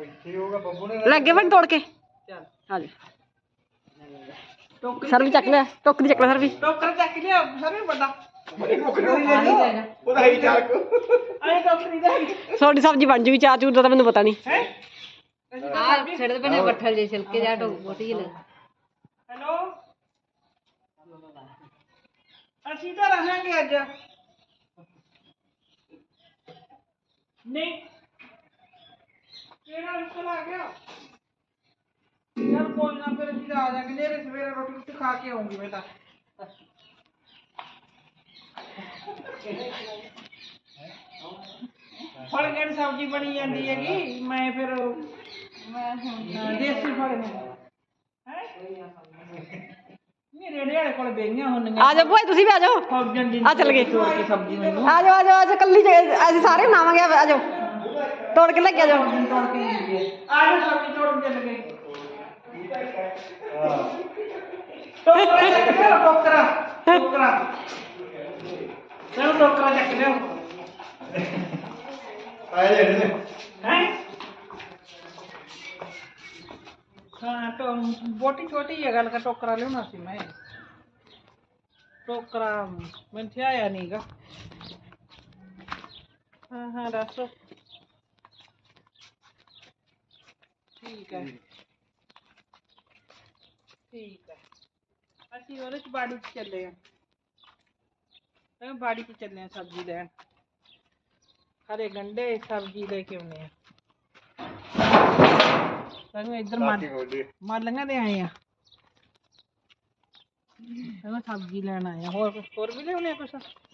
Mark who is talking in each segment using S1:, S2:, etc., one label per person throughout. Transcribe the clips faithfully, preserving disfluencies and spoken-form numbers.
S1: ਲੱਗੇ ਬਣ ਤੋੜ ਕੇ ਚੱਲ ਆ ਜਾ ਟੋਕਰੀ ਸਰ ਵੀ ਚੱਕ ਲਿਆ ਟੋਕਰੀ ਚੱਕ ਲਿਆ ਸਰ ਵੀ ਟੋਕਰ ਚੱਕ ਲਿਆ ਸਰ ਵੀ ਵੱਡਾ ਉਹਦਾ ਹੀ ਚੱਕ ਆਏ ਟੋਕਰੀ ਦਾ ਤੁਹਾਡੀ ਸਬਜ਼ੀ ਬਣ ਜੂਗੀ ਚਾਹ ਚੂਰ ਦਾ ਤਾਂ ਮੈਨੂੰ ਪਤਾ ਨਹੀਂ ਹੈ ਆ ਛੱਡ ਦੇ ਬਣੇ ਬੱਠਲ ਜੇ ਛਿਲਕੇ ਜਾ ਟੋਟੀ ਲੈ ਹੈਲੋ ਅਸੀਂ ਤਾਂ ਰਹਾਂਗੇ ਅੱਜ ਨਹੀਂ ਕਿਹੜਾ ਅੰਕਲ ਆ ਗਿਆ ਯਾਰ ਕੋਈ ਨਾ ਫਿਰ ਅਸੀਂ ਆ ਜਾਾਂਗੇ ਨੇਰੇ ਸਵੇਰੇ ਰੋਟੀ ਰੋਟੀ ਖਾ ਕੇ ਆਉਂਗੀ ਮੈਂ ਤਾਂ ਫਲ ਗੜ ਸਬਜ਼ੀ ਬਣੀ ਜਾਂਦੀ ਹੈਗੀ ਮੈਂ ਫਿਰ ਮੈਂ ਦੇਸੀ ਫਲ ਨੇ ਹੈ ਨਹੀਂ ਰੇੜੇ ਵਾਲੇ ਕੋਲ ਬੇਈਆਂ ਹੁੰਦੀਆਂ ਆ ਜਾਓ ਭੋਏ ਤੁਸੀਂ ਵੀ ਆ ਜਾਓ ਆ ਚੱਲ ਗਏ ਤੋੜ ਕੇ ਸਬਜ਼ੀ ਮੈਨੂੰ ਆ ਜਾਓ ਆ ਜਾਓ ਆ ਜਾਓ ਕੱਲੀ ਅਸੀਂ ਸਾਰੇ ਬਣਾਵਾਂਗੇ ਆ ਜਾਓ ਤੋੜ ਕੇ ਲੈ ਕੇ ਆ ਜਾਓ ਤੋੜ ਕੇ ਆ ਜਾਓ ਸਬਜ਼ੀ ਤੋੜ ਕੇ ਚੱਲ ਗਏ ਟੋਕਰਾ ਟੋਕਰਾ ਚਲੋ ਟੋਕਰਾ ਚੱਕ ਲਿਓ ਆਏ ਜਿਹੜੇ ਹੈ ਹਾਂ तो बोटी छोटी है गल का टोकरा लेना सी मैं टोकरा मैं थे आया नहीं गा हाँ हाँ दसो ठीक है ठीक है ਅਸੀਂ ਉਹਦੇ ਚ ਬਾੜੀ ਚ ਚੱਲੇ ਆ ਬਾੜੀ ਚ ਚੱਲੇ ਆ ਸਬਜ਼ੀ ਲੈਣ ਹਰੇ ਗੰਡੇ ਸਬਜ਼ੀ ਲੈ ਕੇ ਆਉਣੇ ਆ ਸਾਨੂੰ ਇੱਧਰ ਮਾਲੀਆਂ ਦੇ ਆਏ ਆ ਮੈਂ ਸਬਜ਼ੀ ਲੈਣ ਆਏ ਆ ਹੋਰ ਹੋਰ ਵੀ ਲਿਆਉਣੇ ਆ ਕੁਛ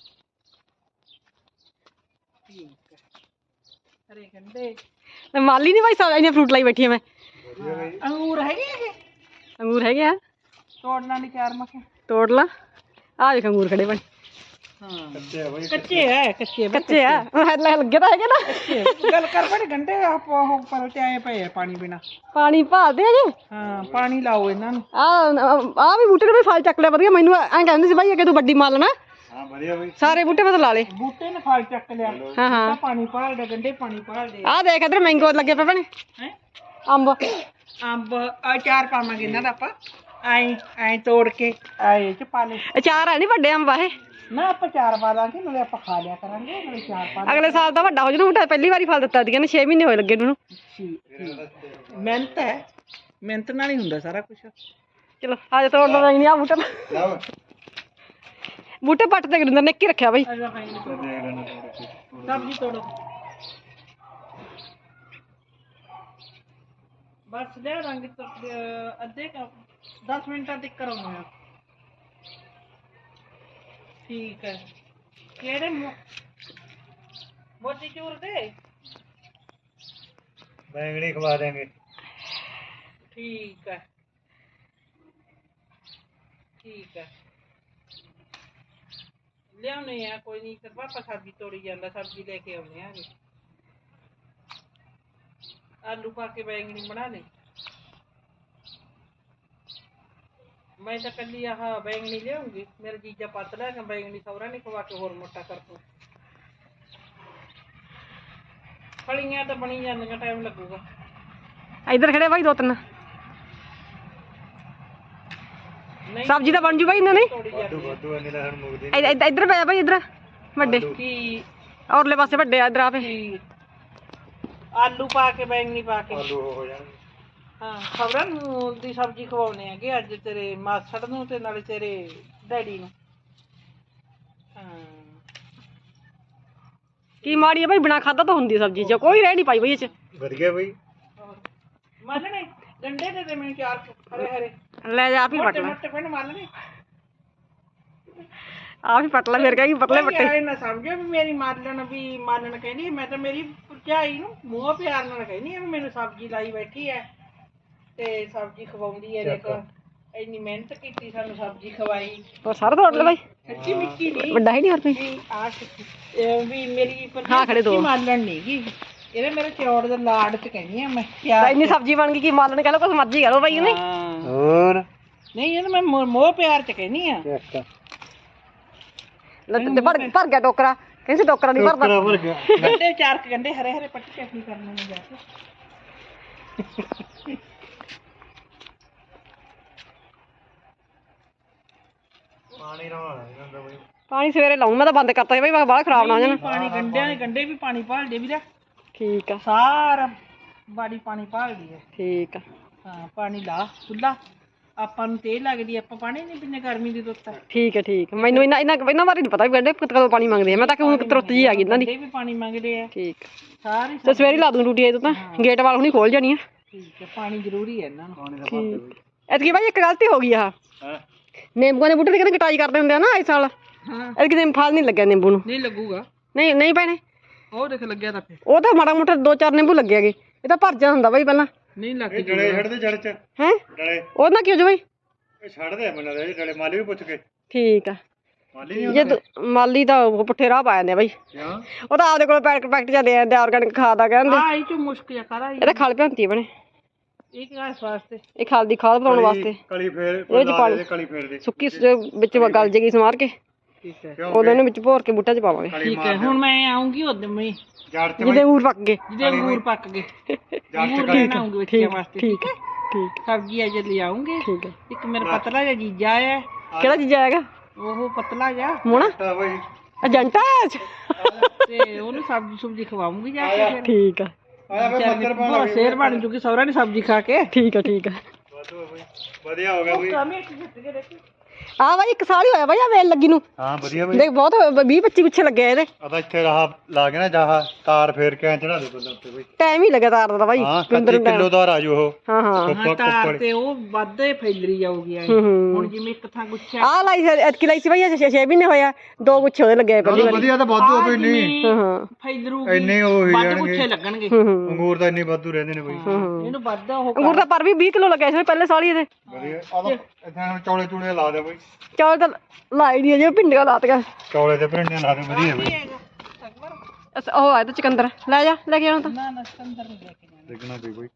S1: ਠੀਕ ਹੈ ਹਰੇ ਗੰਡੇ ਮਾਲੀ ਨਹੀਂ ਭਾਈ ਸਾਹਿਬ ਇਹਨੇ ਫਰੂਟ ਲਾਈ ਬੈਠੀ ਆ ਮੈਂ ਅੰਗੂਰ ਹੈਗੇ ਹੈਗੇ ਅੰਗੂਰ ਹੈਗੇ ਆ ਤੋੜਨਾ ਨਹੀਂ ਚਾਰ ਮਸੇ ਤੋੜ ਲਾ ਆ ਦੇਖ ਅੰਗੂਰ ਖੜੇ ਬਣ ਹਾਂ ਕੱਚੇ ਆ ਬਈ ਕੱਚੇ ਆ ਕੱਚੇ ਕੱਚੇ ਆ ਲੱਗੇ ਤਾਂ ਹੈਗੇ ਨਾ ਕੱਚੇ ਗੱਲ ਕਰ ਬੜੇ ਗੰਡੇ ਆਪ ਉਹ ਪਰ ਤੇ ਆਏ ਪਏ ਆ ਪਾਣੀ ਬਿਨਾ ਪਾਣੀ ਭਾਲਦੇ ਆ ਜੀ ਹਾਂ ਪਾਣੀ ਲਾਓ ਇਹਨਾਂ ਨੂੰ ਆ ਆ ਵੀ ਬੂਟੇ ਨੇ ਫਲ ਚੱਕ ਲਿਆ ਵਧੀਆ ਮੈਨੂੰ ਐਂ ਕਹਿੰਦੇ ਸੀ ਭਾਈ ਅੱਗੇ ਤੂੰ ਵੱਡੀ ਮਾਲ ਨਾ ਹਾਂ ਵਧੀਆ ਬਈ ਸਾਰੇ ਬੂਟੇ ਮੈਂ ਲਾ ਲੇ ਬੂਟੇ ਨੇ ਫਲ ਚੱਕ ਲਿਆ ਹਾਂ ਹਾਂ ਪਾਣੀ ਭਾਲਦੇ ਗੰਡੇ ਪਾਣੀ ਭਾਲਦੇ ਆ ਦੇਖ ਇਧਰ ਮੈਂਗੋ ਲੱਗੇ ਪਏ ਬਣੇ ਹੈ ਅੰਬ ਅੰਬ ਆ ਚਾਰ ਪਾਵਾਂਗੇ ਇਹਨਾਂ ਦਾ ਆਪਾਂ ਆਏ ਐ ਤੋੜ ਕੇ ਆਏ ਚ ਪਾ ਲੈ ਅਚਾਰ ਹੈ ਨਹੀਂ ਵੱਡੇ ਅੰਬ ਇਹ ਨਾ ਆਪਾਂ ਚਾਰ ਪਾ ਲਾਂਗੇ ਨਾਲੇ ਆਪਾਂ ਖਾ ਲਿਆ ਕਰਾਂਗੇ ਨਾਲੇ ਚਾਰ ਪਾ ਅਗਲੇ ਸਾਲ ਤਾਂ ਵੱਡਾ ਹੋ ਜੂ ਬੂਟਾ ਪਹਿਲੀ ਵਾਰੀ ਫਲ ਦਿੱਤਾ ਸੀਗਾ ਨੇ ਛੇ ਮਹੀਨੇ ਹੋਏ ਲੱਗੇ ਨੂੰ ਮਿਹਨਤ ਹੈ ਮਿਹਨਤ ਨਾਲ ਹੀ ਹੁੰਦਾ ਸਾਰਾ ਕੁਝ ਚਲੋ ਆ ਜਾ ਤੋੜ ਲਵਾਂਗੇ ਨਹੀਂ ਆ ਬੂਟਾ ਬੂਟੇ ਪੱਟ ਤੇ ਗਰਿੰਦਰ ਨੇ ਕੀ ਰੱਖਿਆ ਬਈ ਸਬਜ਼ੀ ਤੋੜੋ बस ले रंग तो अद्धे का दस मिनट तक करूँगा ठीक है केड़े मोती चूर दे बैंगनी खवा देंगे ठीक है ठीक है ले आने हैं कोई नहीं कर पापा सब्जी तोड़ी जाता सब्जी लेके आने हैं आलू पा के बैंगनी बना ले मैं तो कल आह बैंगनी ले आऊंगी मेरा जीजा पतला है बैंगनी सौरा नहीं खवा के होर मोटा कर दूँ फलियां तो बनी जाने टाइम लगूगा इधर खड़े भाई दो तीन सब्जी तो बन जू भाई इन्होंने इधर पे भाई इधर बड़े औरले पासे बड़े इधर आप आलू पा के बैंगनी पा के आलू हो जाने हाँ खबरां दी सब्जी खवाने हैं अज तेरे मासड़ नूं ते नाले तेरे डैडी नूं हाँ की माड़ी है भाई बिना खादा तो हुंदी सब्जी च कोई रह नहीं पाई भाई च वधिया भाई मालने गंडे दे दे मैं चार हरे हरे ले जा आप ही पट ले मोटे पिंड मालने आप ही पटला फिर कहेगी पतले पट्टे ना समझो भी मेरी मालन भी मालन कहनी मैं तो मेरी भरजाई नूं मूंह प्यार नाल कहनी है मैनूं सब्जी लाई बैठी है ते सब्जी खवाउंदी है देखो इन्नी मेहनत कीती सानूं सब्जी खवाई और सारा तोड़ ले भाई कच्ची मिट्टी नहीं बड़ा ही नहीं और आ भी मेरी हां खड़े दो मालन नहीं गी ਇਹਦੇ ਮੇਰੇ ਚੌੜ ਦੇ ਲਾੜ ਚ ਕਹਿੰਦੀ ਆ ਮੈਂ ਪਿਆਰ ਇੰਨੀ ਸਬਜ਼ੀ ਬਣ ਗਈ ਕੀ ਮਾਲਣ ਕਹ ਲੋ ਕੁਛ ਮਰਜ਼ੀ ਕਹ ਲੋ ਬਾਈ ਨਹੀਂ ਹੋਰ ਨਹੀਂ ਇਹ ਮੈਂ ਮੋਹ ਪਿਆਰ ਚ ਕਹਿੰਦੀ ਆ ਲੱਤੇ ਭਰ ਭਰ ਗਿਆ ਟੋਕਰਾ ਕਹਿੰਦੇ ਟੋਕਰਾ ਨਹੀਂ ਭਰਦਾ ਟੋਕਰਾ ਭਰ ਗਿਆ ਗੰਡੇ ਚਾਰ ਗੰਡੇ ਹਰੇ ਹਰੇ ਪੱਟੀ ਚਟਨੀ ਕਰਨੇ ਨੂੰ ਜਾ ਕੇ
S2: ਪਾਣੀ ਰੋਣਾ ਜਾਂਦਾ ਬਈ
S1: ਪਾਣੀ ਸਵੇਰੇ ਲਾਉਂ ਮੈਂ ਤਾਂ ਬੰਦ ਕਰਤਾ ਸੀ ਬਈ ਮੈਂ ਬਾਹਲਾ ਖਰਾਬ ਨਾ ਹੋ ਜਾਣ
S3: ਪਾਣੀ ਗੰਡਿਆਂ ਦੇ ਗੰਡੇ ਵੀ ਪਾਣੀ ਭਾਲਦੇ ਵੀਰੇ
S1: ਠੀਕ ਆ
S3: ਸਾਰਾ ਬਾੜੀ ਪਾਣੀ ਭਾਲਦੀ ਹੈ
S1: ਠੀਕ ਆ
S3: ਹਾਂ ਪਾਣੀ ਲਾ ਖੁੱਲਾ ਆਪਾਂ ਨੂੰ ਤੇਲ ਲੱਗਦੀ ਆਪਾਂ ਪਾਣੀ ਨਹੀਂ ਪੀਂਦੇ ਗਰਮੀ ਦੀ ਰੁੱਤ
S1: ਠੀਕ ਹੈ ਠੀਕ ਹੈ ਮੈਨੂੰ ਇਹਨਾਂ ਇਹਨਾਂ ਇਹਨਾਂ ਬਾਰੇ ਨਹੀਂ ਪਤਾ ਵੀ ਗੰਡੇ ਕਦੋਂ ਪਾਣੀ ਮੰਗਦੇ ਆ ਮੈਂ ਤਾਂ ਕਿ ਹੁਣ ਤੁਰਤ ਜੀ ਆ ਗਈ ਇਹਨਾਂ ਦੀ
S3: ਗੰਡੇ ਵੀ ਪਾਣੀ ਮੰਗਦੇ ਆ
S1: ਠੀਕ
S3: ਸਾਰੀ
S1: ਤੇ ਸਵੇਰੇ ਲਾ ਦੂੰ ਡਿਊਟੀ ਇਹ ਤਾਂ ਗੇਟ ਵਾਲ ਹੁਣੀ ਖੋਲ ਜਾਣੀ ਆ
S3: ਠੀਕ ਹੈ ਪਾਣੀ ਜ਼ਰੂਰੀ ਹੈ ਇਹਨਾਂ ਨੂੰ
S1: ਠੀਕ ਐਤਕੀ ਬਾਈ ਇੱਕ ਗਲਤੀ ਹੋ ਗਈ ਆ
S2: ਹਾਂ
S1: ਨਿੰਬੂਆਂ ਦੇ ਬੂਟੇ ਦੀ ਕਹਿੰਦੇ ਕਟਾਈ ਕਰਦੇ ਹੁੰਦੇ ਆ ਨਾ ਇਸ ਸਾਲ
S3: ਹਾਂ
S1: ਐਤਕੀ ਦਿਨ ਫਲ ਨਹੀਂ ਲੱਗਿਆ ਨਿੰਬੂ ਨੂੰ
S3: ਨਹੀਂ ਲੱਗੂਗਾ
S1: ਨਹੀਂ ਨਹੀਂ ਭੈਣੇ
S3: ਉਹ ਦੇਖ ਲੱਗਿਆ ਤਾਂ
S1: ਉਹ ਤਾਂ ਮਾੜਾ ਮੋਟਾ ਦੋ ਚਾਰ ਨਿੰਬੂ ਲੱਗੇ ਹੈਗੇ ਇਹ ਤਾਂ ਭਰ ਜਾ ਹੁੰਦਾ ਬਾਈ ਪਹਿਲਾਂ
S3: ਨਹੀਂ ਲੱਗ
S2: ਇਹ ਡਲੇ ਛੱਡਦੇ ਜੜ ਚ
S1: ਹੈ
S2: ਡਲੇ
S1: ਉਹ ਨਾ ਕਿਉਂ ਜੋ ਬਾਈ
S2: ਇਹ ਛੱਡਦੇ ਆ ਮੈਨੂੰ ਲੱਗਦਾ ਡਲੇ ਮਾਲੀ ਵੀ ਪੁੱਛ ਕੇ
S1: ਠੀਕ ਆ
S2: ਮਾਲੀ ਨਹੀਂ
S1: ਜੇ ਤੂੰ- ਮਾਲੀ ਤਾਂ ਉਹ ਪੁੱਠੇ ਰਾਹ ਪਾ ਜਾਂਦੇ ਆ ਬਾਈ
S2: ਕਿਉਂ
S1: ਉਹ ਤਾਂ ਆਪਦੇ ਕੋਲ ਪੈਕਟ ਪੈਕਟ ਜਾਂਦੇ ਆ ਆਰਗੈਨਿਕ ਖਾਦ ਆ ਕਹਿੰਦੇ
S3: ਆ ਇਹ ਚ ਮੁਸ਼ਕ ਜਾ ਕਰਾ
S1: ਇਹ ਤਾਂ ਖਲ ਭੰਤੀ ਬਣੇ
S3: ਇਹ ਕਿਹੜਾ ਵਾਸਤੇ
S1: ਇਹ ਖਲ ਦੀ ਖਾਦ ਬਣਾਉਣ ਵਾਸਤੇ
S2: ਕਲੀ ਫੇਰ
S1: ਇਹ ਚ ਪਾਣੀ
S2: ਕਲੀ ਫੇਰ ਦੇ
S1: ਸੁੱਕੀ ਸ- ਵਿੱਚ ਗਲ ਜੇਗੀ ਸਮਾਰ ਕੇ
S3: ਠੀਕ ਹੈ
S1: ਉਹਦੇ ਨੂੰ ਵਿੱਚ ਭੋਰ ਕੇ ਬੂਟਾ ਚ ਪਾਵਾਂਗੇ
S2: ਕਲੀ
S3: ਠੀਕ ਹੈ ਹੁਣ ਮੈਂ ਆਉਂਗੀ ਉਦੋਂ ਮੈਂ
S2: ਜੜ ਚ
S1: ਜਿਹਦੇ ਊਰ ਪੱਕ ਗਏ
S3: ਜਿਹਦੇ ਅੰਗੂਰ ਪੱਕ ਗਏ
S2: ਜੜ
S3: ਅੰਗੂਰ
S2: ਚ ਕਲੀ
S3: ਲੈਣ ਆਉਂਗੀ ਬੱਚਿਆਂ
S1: ਠੀਕ
S3: ਵਾਸਤੇ
S1: ਠੀਕ ਹੈ ਠੀਕ
S3: ਸਬਜ਼ੀ ਅਜੇ ਲੈ ਆਉਂਗੇ
S1: ਠੀਕ ਹੈ
S3: ਇੱਕ ਮੇਰਾ ਪਤਲਾ ਜਿਹਾ ਜੀਜਾ ਹੈ
S1: ਕਿਹੜਾ ਚੀਜ਼ ਆਏਗਾ
S3: ਉਹ ਪਤਲਾ ਜਿਹਾ
S1: ਮੋਣਾ
S2: ਤਾਂ ਬਈ
S1: ਏਜੰਟਾ
S3: ਤੇ ਉਹਨੂੰ ਸਬਜ਼ੀ ਸੁਬਜ਼ੀ ਖਵਾਉਂਗੀ ਜਾ ਕੇ ਫਿਰ
S1: ਠੀਕ ਆ
S2: ਆਇਆ ਬਈ ਮੰਦਰ ਪਾ
S3: ਬੜਾ ਸ਼ੇਰ ਬਣ ਜੂਗੀ ਸਹੁਰਾ ਨੇ ਸਬਜ਼ੀ ਖਾ ਕੇ
S1: ਠੀਕ ਆ ਠੀਕ ਆ
S2: ਵਾਧੂ ਆ ਬਈ ਵਧੀਆ ਹੋ ਗਿਆ ਬਈ
S1: ਆ ਬਾਈ ਇੱਕ ਸਾਲ ਹੀ ਹੋਇਆ ਬਾਈ ਆ ਵੇਲ ਲੱਗੀ ਨੂੰ
S2: ਹਾਂ ਵਧੀਆ ਬਈ
S1: ਦੇਖ ਬਹੁਤ ਵੀਹ ਪੱਚੀ ਪਿੱਛੇ ਲੱਗੇ ਆ ਇਹਦੇ
S2: ਆਦਾ ਇੱਥੇ ਰਾਹ ਲਾ ਕੇ ਨਾ ਜਾਹ ਤਾਰ ਫੇਰ ਕੇ ਚੜਾ ਦੇ ਬੰਦਾ ਉੱਤੇ ਬਈ
S1: ਟਾਈਮ ਹੀ ਲੱਗਾ ਤਾਰ ਦਾ ਬਾਈ
S2: ਹਾਂ ਕੱਚੀ ਕਿਲੋ ਤਾਰ ਆ ਜੂ ਉਹ
S1: ਹਾਂ ਹਾਂ
S2: ਕੁੱਪਾ
S3: ਤਾਰ
S2: ਕੁੱਪੜ
S3: ਤੇ ਉਹ ਵੱਧੇ ਫੈਲਰੀ ਜਾਊਗੀ ਐਂ।
S1: ਹੂੰ ਹੂੰ
S3: ਹੁਣ ਜਿਵੇਂ ਇੱਕ ਥਾਂ ਗੁੱਛਾ
S1: ਆ ਲਾਈ ਐਤਕੀ ਲਾਈ ਸੀ ਬਾਈ ਛੇ ਛੇ ਮਹੀਨੇ ਹੋਇਆ ਦੋ ਗੁੱਛੇ ਉਹਦੇ ਲੱਗੇ ਆ ਪਹਿਲੀ ਵਾਰੀ
S2: ਵਧੀਆ ਤਾਂ ਵਾਧੂ ਆ ਬਈ ਨਹੀਂ
S1: ਹਾਂ ਹਾਂ
S3: ਫੈਲਰੂਗੀ
S2: ਇੰਨੇ ਉਹ ਹੀ
S3: ਵੱਧ
S2: ਜਾਣਗੇ
S3: ਗੁੱਛੇ ਲੱਗਣਗੇ
S1: ਹੂੰ ਹੂੰ
S2: ਅੰਗੂਰ ਤਾਂ ਇੰਨੇ ਵਾਧੂ ਰਹਿੰਦੇ ਨੇ ਬਈ
S3: ਇਹਨੂੰ ਵੱਧ ਉਹ
S1: ਅੰਗੂਰ ਦਾ ਪਰ ਵੀ ਵੀਹ ਕਿਲੋ ਲੱਗਿਆ ਸੀ ਪਹਿਲੇ ਸਾਲ ਹੀ ਇਹਦੇ
S2: ਵਧੀਆ ਆਦਾ ਇੱਥੇ ਚੌਲੇ ਚੂਲੇ ਲਾ ਦੇ ਬਈ
S1: ਚੌਲ ਤਾਂ ਲਾਈ ਨਹੀਂ ਅਜੇ ਭਿੰਡੀਆਂ ਲਾਤੀਆਂ
S2: ਚੌਲੇ ਤੇ ਭਿੰਡੀਆਂ ਲਾ ਦੇ ਵਧੀਆ ਬਈ
S1: ਅੱਛਾ ਉਹ ਆ ਤਾਂ ਚਕੰਦਰ ਲੈ ਜਾ ਲੈ ਕੇ ਆਉਣਾ ਤਾਂ
S3: ਨਾ ਨਾ ਸੰਦਰ ਨਹੀਂ ਲੈ ਕੇ ਜਾਣਾ
S2: ਦੇਖਣਾ ਪਈ ਬਈ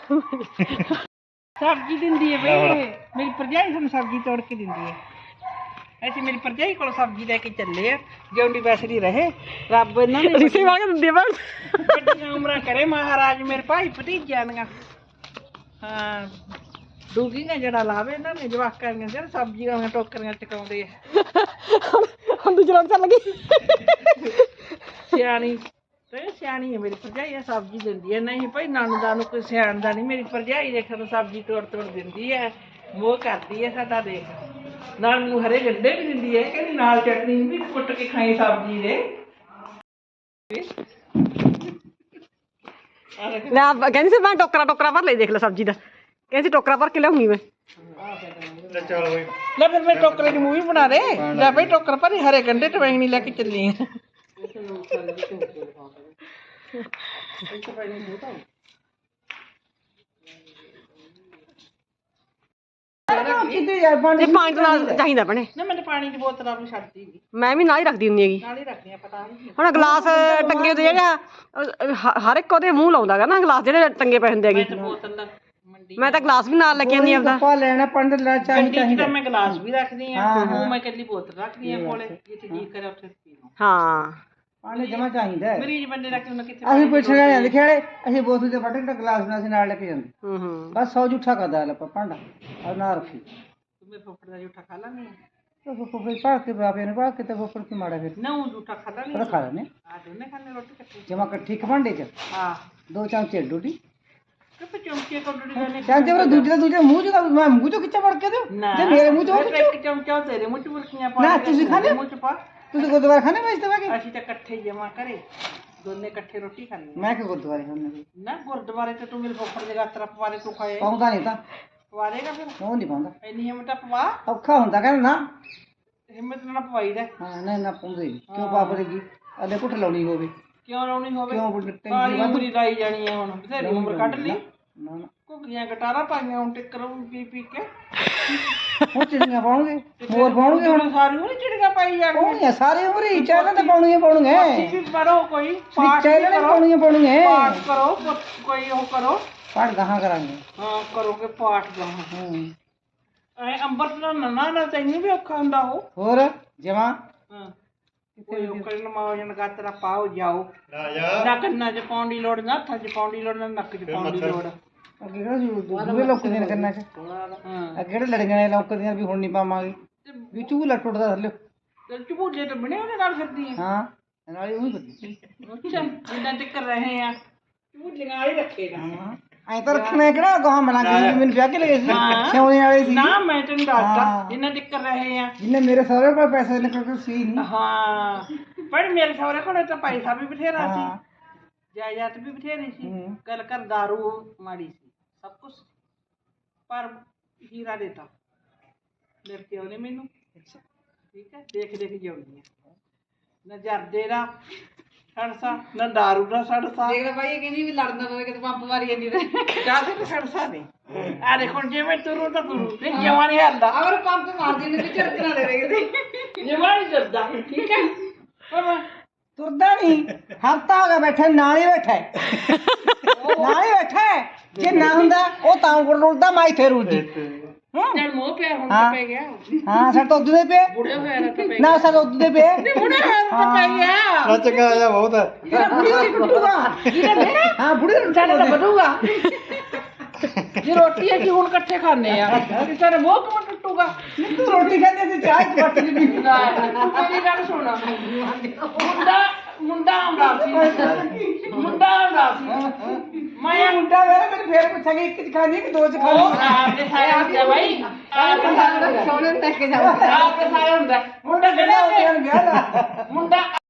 S3: ਸਬਜ਼ੀ ਦਿੰਦੀ ਹੈ ਬਈ ਮੇਰੀ ਭਰਜਾਈ ਸਾਨੂੰ ਸਬਜ਼ੀ ਤੋੜ ਕੇ ਦਿੰਦੀ ਹੈ ਅਸੀਂ ਮੇਰੀ ਭਰਜਾਈ ਕੋਲ ਸਬਜ਼ੀ ਲੈ ਕੇ ਚੱਲੇ ਆ ਜਿਉਂਦੀ ਵੈਸਦੀ ਰਹੇ ਰੱਬ ਇਹਨਾਂ ਨੇ
S1: ਰਿਸ਼ਤੇ ਵਾਲੇ ਦਿੰਦੇ ਬਣ
S3: ਵੱਡੀਆਂ ਉਮਰਾਂ ਕਰੇ ਮਹਾਰਾਜ ਮੇਰੇ ਭਾਈ ਭਤੀਜਿਆਂ ਦੀਆਂ ਹਾਂ ਡੂਗੀਆਂ ਜਿਹੜਾ ਲਾਵੇ ਇਹਨਾਂ ਨੇ ਜਵਾਕਾਂ ਦੀਆਂ ਜਿਹੜਾ ਸਬਜ਼ੀਆਂ ਦੀਆਂ ਟੋਕਰੀਆਂ ਚਕਾਉਂਦੇ ਆ
S1: ਹੁਣ ਦੂਜੀ ਰੌਣਕ ਚੱਲ ਗਈ
S3: ਸਿਆਣੀ ਤੇ ਸਿਆਣੀ ਹੈ ਮੇਰੀ ਭਰਜਾਈ ਆ ਸਬਜ਼ੀ ਦਿੰਦੀ ਹੈ ਨਹੀਂ ਭਾਈ ਨਣਦਾ ਨੂੰ ਕੋਈ ਸਿਆਣਦਾ ਨਹੀਂ ਮੇਰੀ ਭਰਜਾਈ ਦੇਖ ਸਾਨੂੰ ਸਬਜ਼ੀ ਤੋੜ ਤੋੜ ਦਿੰਦੀ ਹੈ ਮੋਹ ਕਰਦੀ ਹੈ ਸਾਡਾ ਦੇਖ ਨਾਲ ਮੈਨੂੰ ਹਰੇ ਗੰਡੇ ਵੀ ਦਿੰਦੀ ਹੈ ਕਹਿੰਦੀ ਨਾਲ ਚਟਨੀ ਵੀ ਕੁੱਟ ਕੇ ਖਾਈ ਸਬਜ਼ੀ ਦੇ
S1: ਲੈ ਆ ਕਹਿੰਦੀ ਸੀ ਮੈਂ ਟੋਕਰਾ ਟੋਕਰਾ ਭਰ ਲਈ ਦੇਖ ਲੈ ਸਬਜ਼ੀ ਦਾ ਕਹਿੰਦੀ ਟੋਕਰਾ ਭਰ ਕੇ ਲਿਆਉਂਗੀ ਮੈਂ
S2: ਲੈ ਚੱਲ ਬਈ
S3: ਲੈ ਫਿਰ ਮੈਂ ਟੋਕਰੇ ਦੀ ਮੂਵੀ ਬਣਾ ਦੇ ਲੈ ਭਾਈ ਟੋਕਰ ਭਰੀ ਹਰੇ ਗੰਡੇ ਟਵੈਂਗਣੀ ਲੈ ਕੇ ਚੱਲੀ ਆ
S1: ਇਹ ਪਾਣੀ ਤਾਂ ਨਾਲ ਚਾਹੀਦਾ ਭੈਣੇ
S3: ਨਾ ਮੈਂ ਪਾਣੀ ਦੀ ਬੋਤਲ ਆਪਣੀ ਛੱਡਦੀ ਨਹੀਂ
S1: ਮੈਂ ਵੀ ਨਾਲ ਹੀ ਰੱਖਦੀ ਹੁੰਦੀ ਹੈਗੀ
S3: ਨਾਲ ਹੀ ਰੱਖਦੀ ਆ ਪਤਾ ਨਹੀਂ
S1: ਹੁਣ ਗਲਾਸ ਟੰਗੇ ਹੁੰਦੇ ਜਿਹੜੇ ਆ, ਅਹ, ਹ- ਹਰ ਇੱਕ ਉਹਦੇ ਮੂੰਹ ਲਾਉਂਦਾ ਗਾ ਨਾ ਗਲਾਸ ਜਿਹੜੇ ਟੰਗੇ ਪਏ ਹੁੰਦੇ ਹੈਗੇ
S3: ਬੋਤਲ ਦਾ ਮੰਡੀ
S1: ਮੈਂ ਤਾਂ ਗਲਾਸ ਵੀ ਨਾਲ ਲੈ ਕੇ ਆਉਂਦੀ ਆਪਦਾ
S3: ਪਾ ਲੈਣਾ ਪੰਡ ਲੈ ਚਾਹੀਦਾ ਤਾਂ ਮੈਂ ਗਲਾਸ ਵੀ ਰੱਖਦੀ ਆ ਉਹ ਮੈਂ ਇਕੱਲੀ ਬੋਤਲ ਰੱਖਦੀ ਆ ਕੋਲੇ ਜਿੱਥੇ ਜੀ ਕਰੇ ਉੱਥੇ ਪੀ ਲਓ
S1: ਹਾਂ
S4: ਪਾਣੀ ਜਮਾ ਚਾਹੀਦਾ ਹੈ।
S3: ਮਰੀਜ਼ ਬੰਦੇ ਰੱਖ ਉਹਨਾਂ ਕਿੱਥੇ
S4: ਅਸੀਂ ਪੁੱਛ ਰਹੇ ਹਾਂ ਲਿਖਿਆੜੇ ਅਸੀਂ ਬੋਤਲ ਦੇ ਫਟੇ ਦਾ ਗਲਾਸ ਨਾਲ ਅਸੀਂ ਨਾਲ ਲੈ ਕੇ ਜਾਂਦੇ
S1: ਹੂੰ ਹੂੰ
S4: ਬਸ ਸੌ ਜੂਠਾ ਕਰਦਾ ਲੱਪਾ ਭਾਂਡਾ ਔਰ ਨਾ ਰੱਖੀ
S3: ਤੂੰ ਮੇਰੇ ਫੁੱਫੜ ਦਾ ਜੂਠਾ ਖਾ ਲਾਂਗੇ
S4: तो फुफड़ पाक के बापे ने पाक के तो फुफड़ की माड़ा फिर
S3: ਨਾ ਉਹ ਜੂਠਾ ਖਾ ਲਾਂਗੇ
S4: थोड़ा खा लेने
S3: ਆ ਦੋਨੇ ਖਾਣੇ ਰੋਟੀ ਇਕੱਠੀ
S4: जमा कट्ठी खमंडे च
S3: ਹਾਂ
S4: दो चमचे डूटी
S3: ਕਿਤੇ ਚਮਚੇ ਕੋਲ ਡੁੱਡੀ
S4: चमचे पर दूसरे दूसरे मुंह जो मैं मुंह जो खिच्चा पड़ के दो
S3: ਨਾ
S4: जे मेरे मुंह जो
S3: ਇੱਕ ਚਮਚਾ ਤੇਰੇ ਮੂੰਹ ਚ ਬੁਰਕੀਆਂ ਪਾ
S4: ਨਾ,
S3: ਕੇ
S4: ਤੁਸੀਂ ਖਾਂਦੇ?
S3: ਮੂੰਹ ਚ ਪਾ
S4: तू तो गुरुद्वारा खाने में इस्तेमाल के
S3: ਅਸੀਂ ਤਾਂ ਇਕੱਠੇ ਜਮਾ ਕਰੇ ਦੋਨੇ ਇਕੱਠੇ ਰੋਟੀ ਖਾਂਦੇ
S4: मैं के गुरुद्वारे खाने में
S3: ਨਾ ਗੁਰਦੁਆਰੇ ਤੇ ਤੂੰ ਮੇਰੇ ਫੁੱਫੜ ਦੇ ਗਾਤਰਾ ਪਵਾਰੇ ਤੂੰ ਖਾਏ
S4: पाਉਂਦਾ नहीं था
S3: ਪਵਾਰੇਗਾ ਫਿਰ
S4: ਉਹ ਨਹੀਂ ਪਾਉਂਦਾ
S3: ਇੰਨੀ ਹਿੰਮਤ ਪਵਾ
S4: ਔਖਾ ਹੁੰਦਾ ਕਹਿੰਦਾ ਨਾ
S3: ਹਿੰਮਤ ਨਾਲ ਪਵਾਈ ਦਾ
S4: ਹਾਂ ਨਹੀਂ ਨਾ ਪਾਉਂਦੇ ਕਿਉਂ ਪਾ ਪੜੇਗੀ ਅਦੇ ਕੁੱਟ ਲਾਉਣੀ ਹੋਵੇ
S3: ਕਿਉਂ ਲਾਉਣੀ ਹੋਵੇ
S4: ਕਿਉਂ ਬੁੱਢੇ
S3: ਕਾਲੀ ਉਮਰੀ ਲਾਈ ਜਾਣੀ ਹੈ ਹੁਣ ਬਥੇਰੀ ਉਮਰ ਕੱਢ ਲਈ
S4: ਨਾ ਨਾ
S3: ਘੁੱਗੀਆਂ ਗਟਾਰਾ ਪਾਈਆਂ ਹੁਣ ਟਿੱਕਰ ਪੀ ਪੀ ਕੇ
S4: ਉਹ ਚਿੜੀਆਂ ਪਾਉਣਗੇ ਮੋਰ ਪਾਉਣਗੇ
S3: ਹੁਣ ਸਾਰੀ ਉਹ ਚਿੜੀਆਂ ਪਾਈ ਜਾਣਗੀਆਂ
S4: ਪਾਉਣੀਆਂ ਸਾਰੇ ਉਮਰ ਹੀ ਚਾਹਣਾ ਤਾਂ ਪਾਉਣੀਆਂ ਪਾਉਣਗੇ
S3: ਤੁਸੀਂ ਵੀ ਪੜੋ ਕੋਈ ਪਾਠ ਵੀ
S4: ਚਾਹਣਾ
S3: ਕਰੋ
S4: ਪਾਉਣੀਆਂ ਪਾਉਣਗੇ
S3: ਪਾਠ ਕਰੋ ਪੁੱਤ- ਕੋਈ ਉਹ ਕਰੋ
S4: ਪਾਠ ਗਾਹਾਂ ਕਰਾਂਗੇ
S3: ਹਾਂ ਕਰੋਗੇ ਪਾਠ ਦਾ
S4: ਹੂੰ
S3: ਐ ਅੰਬਰ ਦਾ ਨਨਾ ਨਾ ਤੈਨੂੰ ਵੀ ਔਖਾ ਹੁੰਦਾ ਉਹ
S4: ਹੋਰ ਜਮਾ
S3: ਹਾਂ ਕੋਈ ਉਹ ਕਰਨ ਮਾਓ ਜਨ ਗਾਤਰਾ ਪਾਓ ਜਾਓ
S2: ਨਾ ਜਾ
S3: ਨਾ ਕੰਨਾਂ 'ਚ ਪਾਉਣ ਦੀ ਲੋੜ ਨਾ ਹੱਥਾਂ 'ਚ ਪਾਉਣ ਦੀ ਲੋੜ ਨਾ ਨੱਕ 'ਚ ਪਾਉਣ ਦੀ ਲੋੜ
S4: ਅੱਗੇ ਕਿਹੜਾ ਦੂਰੇ ਲੌਕਦੀਆਂ ਨੇ ਕੰਨਾਂ 'ਚ
S3: ਹਾਂ
S4: ਅੱਗੇ ਕਿਹੜੇ ਲੜੀਆਂ ਨੇ ਲੌਕਦੀਆਂ ਵੀ ਹੁਣ ਨਹੀਂ ਪਾਵਾਂਗੇ ਵੀ ਝੂਲਾ ਟੁੱਟਦਾ ਥੱਲੇ
S3: ਤੇ ਝੂਲੇ ਤਾਂ ਬਣੇ ਉਹਦੇ ਨਾਲ ਫਿਰਦੀ ਆ
S4: ਹਾਂ ਨਾਲੇ ਉਹੀ ਬੱਤੀ
S3: ਅੱਛਾ ਜਿੰਨਾ ਚੱਕ ਰਹੇ ਆ ਝੂਲੀਆਂ ਵਾਲੇ ਰੱਖੇ ਨਾ
S4: ਹਾਂ ਐਂ ਤਾਂ ਰੱਖਣਾ ਕਿਹੜਾ ਗਾਹਾਂ ਮਲਾਂਗੇ ਮੈਨੂੰ ਵਿਆਹ ਕੇ ਲਏ ਸੀ
S3: ਹਾਂ।
S4: ਸਿਉਣੇ ਵਾਲੇ ਸੀ
S3: ਨਾ ਮੈਂ ਤੈਨੂੰ ਦੱਸਦਾ
S4: ਹਾਂ।
S3: ਜਿੰਨਾ ਚੱਕ ਰਹੇ ਆ
S4: ਜਿੰਨੇ ਮੇਰੇ ਸਹੁਰੇ ਕੋਲ ਪੈਸੇ ਨਿਕਲ ਕੇ ਸੀ ਨਹੀਂ
S3: ਹਾਂ ਪਰ ਮੇਰੇ ਸਹੁਰੇ ਕੋਲ ਤਾਂ ਪੈਸਾ ਵੀ ਬਥੇਰਾ ਸੀ
S4: ਹਾਂ
S3: ਜਾਇਦਾਦ ਵੀ ਬਥੇਰੀ ਸੀ
S4: ਹੂੰ।
S3: ਗੱਲ ਕਰ ਦਾਰੂ ਮਾੜੀ ਸੀ ਸਭ ਕੁਝ ਪਰ ਹੀਰਾ ਦੇਤਾ ਮੇਰੇ ਪਿਓ ਨੇ ਮੈਨੂੰ ਠੀਕ ਹੈ ਦੇਖ ਦੇਖ ਜਿਉਂਦੀ ਆ ਨਾ ਜਰਦੇ ਦਾ ਸੜਸਾ ਨਾ ਦਾਰੂ ਦਾ ਸੜਸਾ
S1: ਦੇਖ ਲੈ ਭਾਈ ਇਹ ਕਹਿੰਦੀ ਵੀ ਲੜਨਾ ਪਵੇ ਕਿਤੇ ਪੰਪ ਮਾਰੀ ਜਾਂਦੀ ਤੇ
S3: ਕਾਹਦੇ ਤੇ ਸੜਸਾ ਨਹੀਂ ਆ ਦੇਖੋ ਜਿਵੇਂ ਤੁਰੂ ਤਾਂ ਤੁਰੂ ਤੇ ਜਵਾਂ ਨਹੀਂ ਹਲਦਾ
S1: ਅਗਰ ਪੰਪ ਮਾਰ ਦਿੰਦੇ ਤੇ ਝੜਕਣਾ ਦੇ ਰਹੇ ਕਿਤੇ
S3: ਜਵਾਂ ਨਹੀਂ ਡਰਦਾ ਠੀਕ ਹੈ ਪਰ
S4: ਤੁਰਦਾ ਨਹੀਂ ਹਫਤਾ ਹੋ ਗਿਆ ਬੈਠਾ ਨਾਲ ਹੀ ਬੈਠਾ ਹੈ। ਨਾਲ ਹੀ ਬੈਠਾ ਹੈ। ਜੇ ਨਾ ਹੁੰਦਾ ਉਹ ਤਾਂ ਕੋਲ ਰੁਲਦਾ ਮੈਂ ਇੱਥੇ ਰੁਲਦੀ
S3: ਜਦ ਮੋਹ ਪਿਆਰ ਹੁਣ
S4: ਹਾਂ।
S3: ਤਾਂ ਪੈ ਗਿਆ
S4: ਹਾਂ ਸਾਡੇ ਤੋਂ ਉਦੋਂ ਦੇ ਪਏ
S3: ਬੁੜੇ ਹੋਇਆ ਨਾ ਤਾਂ ਪੈ
S4: ਨਾ ਸਾਡੇ ਉਦੋਂ ਦੇ ਪਏ
S3: ਬੁੜੇ ਹੋਇਆ ਤਾਂ ਪੈ ਗਿਆ
S2: ਨੱਚ ਕੇ ਆਇਆ ਬਹੁਤ ਹੈ
S4: ਇਹਦਾ ਬੁੜੀ ਦੀ ਟੁੱਟੂਗਾ ਹਾਂ ਬੁੜੀ ਦੀ
S3: ਸਾਡੇ ਤਾਂ ਵਧੂਗਾ ਜੇ ਰੋਟੀ ਹੈ ਕਿ ਹੁਣ ਇਕੱਠੇ ਖਾਣੇ ਆ ਤੇ ਸਾਡੇ ਮੋਹ ਕਿਵੇਂ ਟੁੱਟੂਗਾ
S4: ਨਹੀਂ ਤੂੰ ਰੋਟੀ ਖਾਂਦੇ ਤੇ ਚਾਹ ਚ ਪੱਟ ਦੀ
S3: ਮੇਰੀ ਗੱਲ ਸੁਣ ਮੁੰਡਾ ਮੁੰਡਾ ਆਉਂਦਾ ਸੀ ਮੁੰਡਾ ਆਉਂਦਾ ਸੀ ਮੈਂ
S4: ਮੁੰਡਾ ਵੇ ਮੈਨੂੰ ਫੇਰ ਪੁੱਛਾਂਗੇ ਇੱਕ ਚ ਖਾਣੀ ਕਿ ਦੋ ਚ ਖਾਣੀ
S3: ਉਹ ਆਪਦੇ ਸਾਰੇ ਹੁੰਦੇ ਬਾਈ ਆਪਦੇ ਸਾਰੇ
S1: ਸੋਨੇ ਨੂੰ ਟੱਕ ਕੇ ਜਾਊਗਾ
S3: ਆਪਦੇ ਸਾਰੇ ਹੁੰਦਾ ਮੁੰਡਾ
S4: ਕਿਹੜਾ
S3: ਕਹਿੰਦਾ
S4: ਹੋ ਗਿਆ ਵਿਆਹ ਦਾ
S3: ਮੁੰਡਾ